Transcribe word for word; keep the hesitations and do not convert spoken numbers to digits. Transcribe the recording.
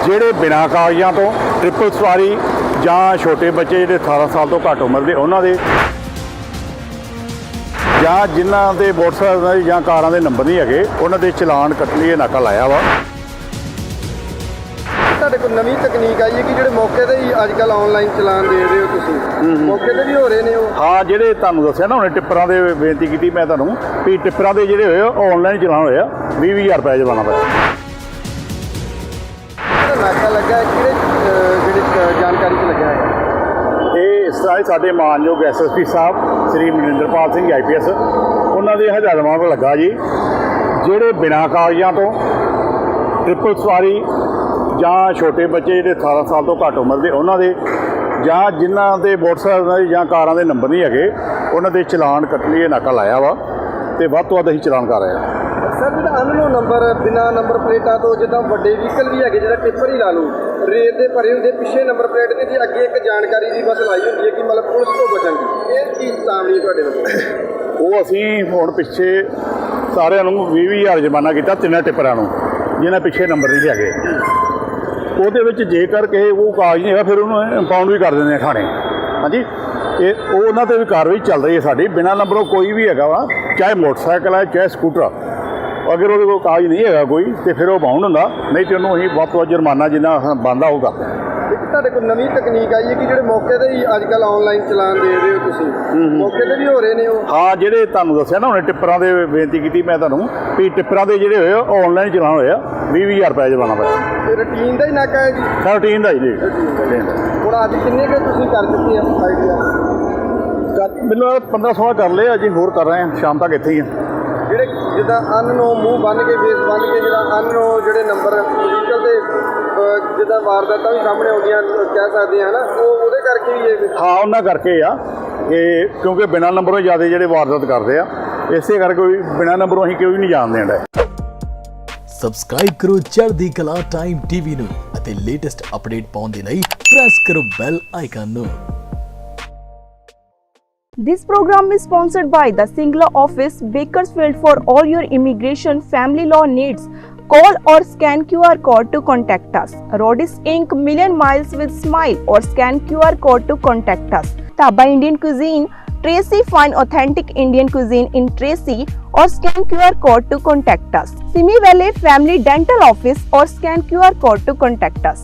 ਜਿਹੜੇ ਬਿਨਾਂ ਕਾਗਜ਼ਾਂ ਤੋਂ ਟ੍ਰਿਪਲ ਸਵਾਰੀ ਜਾਂ ਛੋਟੇ ਬੱਚੇ ਜਿਹੜੇ ਅਠਾਰਾਂ ਸਾਲ ਤੋਂ ਘੱਟ ਉਮਰ ਦੇ ਉਹਨਾਂ ਦੇ ਜਾਂ ਜਿਨ੍ਹਾਂ ਦੇ ਮੋਟਰਸਾਈਕਲ ਜਾਂ ਕਾਰਾਂ ਦੇ ਨੰਬਰ ਨਹੀਂ ਹੈਗੇ ਉਹਨਾਂ ਦੇ ਚਲਾਨ ਕੱਟਣ ਲਈ ਇਹ ਨਾਕਾ ਲਾਇਆ ਵਾ। ਤੁਹਾਡੇ ਕੋਲ ਨਵੀਂ ਤਕਨੀਕ ਆਈ ਹੈ ਕਿ ਜਿਹੜੇ ਮੌਕੇ ਤੇ ਹੀ ਅੱਜ ਕੱਲ੍ਹ ਆਨਲਾਈਨ ਚਲਾਨ ਦੇ ਰਹੇ ਹੋ ਤੁਸੀਂ, ਮੌਕੇ ਤੇ ਵੀ ਹੋ ਰਹੇ ਨੇ ਉਹ? ਹਾਂ, ਜਿਹੜੇ ਤੁਹਾਨੂੰ ਦੱਸਿਆ ਨਾ ਹੁਣੇ ਟਿੱਪਰਾਂ ਦੇ ਬੇਨਤੀ ਕੀਤੀ ਮੈਂ ਤੁਹਾਨੂੰ ਵੀ ਟਿੱਪਰਾਂ ਦੇ ਜਿਹੜੇ ਹੋਏ ਉਹ ਆਨਲਾਈਨ ਚਲਾਨ ਹੋਇਆ ਵੀਹ ਵੀਹ ਹਜ਼ਾਰ ਰੁਪਏ ਜੁਰਮਾਨਾ ਪਿਆ। ਜਿਹੜਾ ਨਾਕਾ ਲੱਗਾ ਹੈ ਕਿਹੜੇ ਅਹ, ਜਿਹੜੀ ਅਹ, ਜਾਣਕਾਰੀ 'ਚ ਲੱਗਿਆ ਹੈ? ਇਹ ਇਸ ਤਰ੍ਹਾਂ ਹੀ ਸਾਡੇ ਮਾਨਯੋਗ S S P sahib Shri Maninderpal Singh I P S ਉਹਨਾਂ ਦੇ ਹਦਾਇਤਾਂ ਤੋਂ ਲੱਗਾ ਜੀ, ਜਿਹੜੇ ਬਿਨਾਂ ਕਾਗਜ਼ਾਂ ਤੋਂ ਟ੍ਰਿਪਲ ਸਵਾਰੀ ਜਾਂ ਛੋਟੇ ਬੱਚੇ ਜਿਹੜੇ ਅਠਾਰਾਂ ਸਾਲ ਤੋਂ ਘੱਟ ਉਮਰ ਦੇ ਉਹਨਾਂ ਦੇ ਜਾਂ ਜਿਨ੍ਹਾਂ ਦੇ ਮੋਟਰਸਾਈਕਲ ਜਾਂ ਕਾਰਾਂ ਦੇ ਨੰਬਰ ਨਹੀਂ ਹੈਗੇ ਉਹਨਾਂ ਦੇ ਚਲਾਨ ਕੱਟਣ ਲਈ ਇਹ ਨਾਕਾ ਲਾਇਆ ਵਾ ਤੇ ਵੱਧ ਤੋਂ ਵੱਧ ਅਸੀਂ ਚਲਾਨ ਕਰ ਰਹੇ ਹਾਂ। ਸਰ, ਜਿਹੜਾ ਅਨਨੋਨ ਨੰਬਰ ਬਿਨਾਂ ਨੰਬਰ ਪਲੇਟਾਂ ਤੋਂ ਜਿੱਦਾਂ ਵੱਡੇ ਵਹੀਕਲ ਵੀ ਹੈਗੇ, ਜਿਹੜਾ ਟਿੱਪਰ ਹੀ ਲਾ ਲਓ, ਰੇਤ ਦੇ ਭਰੇ ਹੁੰਦੇ, ਪਿੱਛੇ ਨੰਬਰ ਪਲੇਟ ਦੀ ਤੇ ਅੱਗੇ ਇੱਕ ਜਾਣਕਾਰੀ ਦੀ ਬਸ ਲਾਈ ਹੁੰਦੀ ਹੈ ਕਿ ਮਤਲਬ ਪੁਲਿਸ ਤੋਂ ਬਚਣ ਦੀ, ਇਹ ਚੀਜ਼ ਸਾਹਮਣੇ ਤੁਹਾਡੇ ਵੱਲੋਂ? ਉਹ ਅਸੀਂ ਹੁਣ ਪਿੱਛੇ ਸਾਰਿਆਂ ਨੂੰ ਵੀਹ ਵੀਹ ਹਜ਼ਾਰ ਜੁਰਮਾਨਾ ਕੀਤਾ ਤਿੰਨਾਂ ਟਿੱਪਰਾਂ ਨੂੰ ਜਿਹਨਾਂ ਪਿੱਛੇ ਨੰਬਰ ਨਹੀਂ ਹੈਗੇ। ਉਹਦੇ ਵਿੱਚ ਜੇਕਰ ਕਿਸੇ ਉਹ ਕਾਗਜ਼ ਨਹੀਂ ਹੈਗਾ ਫਿਰ ਉਹਨੂੰ ਇੰਪਾਊਂਡ ਵੀ ਕਰ ਦਿੰਦੇ ਆ ਥਾਣੇ। ਹਾਂਜੀ, ਇਹ ਉਹ ਉਹਨਾਂ 'ਤੇ ਵੀ ਕਾਰਵਾਈ ਚੱਲ ਰਹੀ ਹੈ ਸਾਡੀ। ਬਿਨਾਂ ਨੰਬਰੋਂ ਕੋਈ ਵੀ ਹੈਗਾ ਵਾ, ਚਾਹੇ ਮੋਟਰਸਾਈਕਲ ਹੈ ਚਾਹੇ ਸਕੂਟਰ, ਅਗਰ ਉਹਦੇ ਕੋਲ ਕਾਗਜ਼ ਨਹੀਂ ਹੈਗਾ ਕੋਈ ਤੇ ਫਿਰ ਉਹ ਬਾਉਂਡ ਹੁੰਦਾ, ਨਹੀਂ ਤੇ ਉਹਨੂੰ ਅਸੀਂ ਵੱਧ ਤੋਂ ਵੱਧ ਜੁਰਮਾਨਾ ਜਿੰਨਾ ਬਣਦਾ ਉਹ ਕਰਦੇ ਹਾਂ। ਇੱਕ ਤੁਹਾਡੇ ਕੋਲ ਨਵੀਂ ਤਕਨੀਕ ਆਈ ਹੈ ਕਿ ਜਿਹੜੇ ਮੌਕੇ ਤੇ ਹੀ ਅੱਜ ਕੱਲ੍ਹ ਆਨਲਾਈਨ ਚਲਾਨ ਦੇ ਰਹੇ ਹੋ ਤੁਸੀਂ, ਮੌਕੇ ਤੇ ਵੀ ਹੋ ਰਹੇ ਨੇ ਉਹ? ਹਾਂ, ਜਿਹੜੇ ਤੁਹਾਨੂੰ ਦੱਸਿਆ ਨਾ ਹੁਣੇ ਟਿੱਪਰਾਂ ਦੇ ਬੇਨਤੀ ਕੀਤੀ ਮੈਂ ਤੁਹਾਨੂੰ ਵੀ ਟਿੱਪਰਾਂ ਦੇ ਜਿਹੜੇ ਹੋਏ ਉਹ ਆਨਲਾਈਨ ਚਲਾਨ ਹੋਇਆ ਵੀਹ ਵੀਹ ਹਜ਼ਾਰ ਰੁਪਏ ਜੁਰਮਾਨਾ ਪਿਆ। ਇਹ ਰੂਟੀਨ ਦਾ ਹੀ ਨਾਕਾ ਹੈ ਜੀ? ਰੂਟੀਨ ਦਾ ਜੀ। ਹੁਣ ਅੱਜ ਕਿੰਨੇ ਕੁ ਤੁਸੀਂ ਕਰ ਚੁੱਕੇ ਆ ਆਈਡੀਆ? ਮੈਨੂੰ ਪੰਦਰਾਂ ਸੋਲਾਂ ਕਰ ਲਏ, ਅਜੇ ਹੋਰ ਕਰ ਰਹੇ ਹਾਂ, ਸ਼ਾਮ ਤੱਕ ਇੱਥੇ ਹੀ ਆ। ਜਿਹੜੇ ਜਿੱਦਾਂ ਅਨਨੋ ਮੂੰਹ ਬੰਨ ਕੇ ਫੇਸ ਬੰਨ ਕੇ ਜਿਹੜਾ ਅਨਨੋ ਜਿਹੜੇ ਨੰਬਰ ਵਹੀਕਲ ਦੇ ਅਹ, ਜਿੱਦਾਂ ਵਾਰਦਾਤਾਂ ਵੀ ਸਾਹਮਣੇ ਆਉਂਦੀਆਂ ਕਹਿ ਸਕਦੇ ਹਾਂ ਨਾ, ਉਹ ਉਹਦੇ ਕਰਕੇ ਹੀ ਇਹ? ਹਾਂ, ਉਹਨਾਂ ਕਰਕੇ ਆ ਇਹ, ਕਿਉਂਕਿ ਬਿਨਾਂ ਨੰਬਰੋਂ ਜ਼ਿਆਦਾ ਜਿਹੜੇ ਵਾਰਦਾਤ ਕਰਦੇ ਆ, ਇਸੇ ਕਰਕੇ ਕੋਈ ਬਿਨਾਂ ਨੰਬਰੋਂ ਅਸੀਂ ਕੋਈ ਨਹੀਂ ਜਾਣ ਦੇਣ ਡਿਆ। ਸਬਸਕ੍ਰਾਈਬ ਕਰੋ ਚੜ੍ਹਦੀ ਕਲਾ ਟਾਈਮ ਟੀਵੀ ਨੂੰ ਅਤੇ ਲੇਟੈਸਟ ਅਪਡੇਟ ਪਾਉਣ ਦੇ ਲਈ ਪ੍ਰੈਸ ਕਰੋ ਬੈਲ ਆਈਕਨ ਨੂੰ। This program is sponsored by the Singla office, Bakersfield. For all your immigration family law needs, call or scan Q R code to contact us. Rodis Incorporated, Million Miles with Smile, or scan Q R code to contact us. Taba Indian Cuisine, Tracy, find authentic Indian cuisine in Tracy, or scan Q R code to contact us. Simi Valley Family Dental Office, or scan Q R code to contact us.